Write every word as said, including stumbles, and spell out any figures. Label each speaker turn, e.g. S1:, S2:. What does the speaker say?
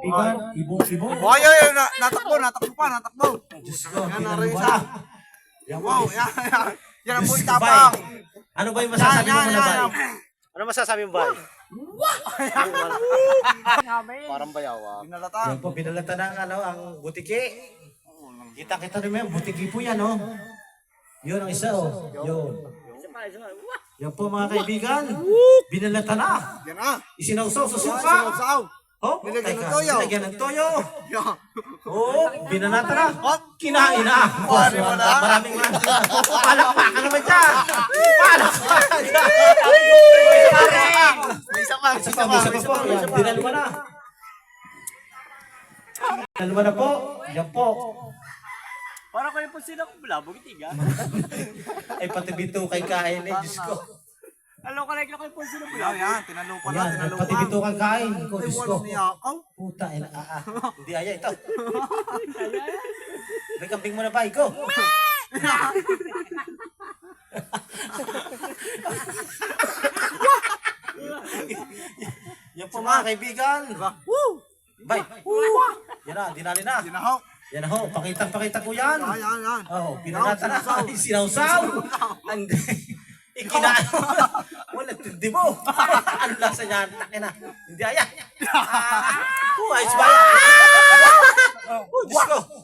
S1: kaibigan, ibong-ibong.
S2: Oh, ay, ay, na, natakbo, natakbo pa, natakbo.
S1: Diyos ko,
S2: Yan,
S1: tinan
S2: naroon
S1: mo
S2: isa.
S1: na. Yan po.
S2: Wow, yan, yan. Yan ang
S1: Diyos
S2: po
S1: ko,
S2: itapang.
S1: bay. Ano ba yung masasabi mo
S2: Yan,
S1: na
S2: yan,
S1: ba?
S2: yan.
S3: Ano masasabi mo ba? Parang bayawa.
S2: Binalata.
S1: Yan po, pinalata na ang, ano, ang butiki. Kita-kita rin mo yan, butiki po yan, oh. Yun ang isa, oh. Yun. Yan po mga kaibigan, binalata na.
S2: Yan na.
S1: Isinawsaw sa
S2: Yan,
S1: suka.
S2: sinawsaw.
S1: Oh,
S2: Nilagyan ng
S1: teka,
S2: toyo.
S1: Nilagyan ng toyo.
S2: Yan.
S1: Oh, binalata na.
S2: Hop.
S1: Kinain na.
S2: Pare mo na.
S1: Maraming man. Palakpakan naman dyan. Palakpakan dyan.
S2: May isa pa, may
S1: Isa
S2: isa
S1: pa,
S2: pa,
S1: may isa
S2: may
S1: pa
S2: isa
S1: po.
S2: pa, may
S1: Yan,
S2: isa pa.
S1: dinalwa na. Dinalwa na po. Yan po.
S3: Para kayo po sila kung bulabog itiga.
S1: Ay, pati bito kay kain eh. Diyos ko.
S3: Alam ko like na kayo po sila
S2: Yan,
S3: bulabog.
S2: yan. Tinalupa na,
S1: Yan, ay,
S2: tinalupa.
S1: pati bito kay kain. Ko,
S2: Ay,
S1: Diyos ko.
S2: walang niyakaw.
S1: Puta, ina, ah, ah. Hindi aya ito. May kambing mo na ba, Iko? Yan po mga kaibigan.
S2: Woo!
S1: Bay. Yan na, dinali na.
S2: Ginahok.
S1: Yan ho, pakita pakita ko yan.
S2: Yan, yan, yan.
S1: Oh, pinalata na. Ay, sinawsaw. Hindi. Ikinain mo. Wala, tindi mo. Ano lasa niyan? Takin na. Hindi aya. Ah, oh, ayos ba yan? Oh, Diyos ko.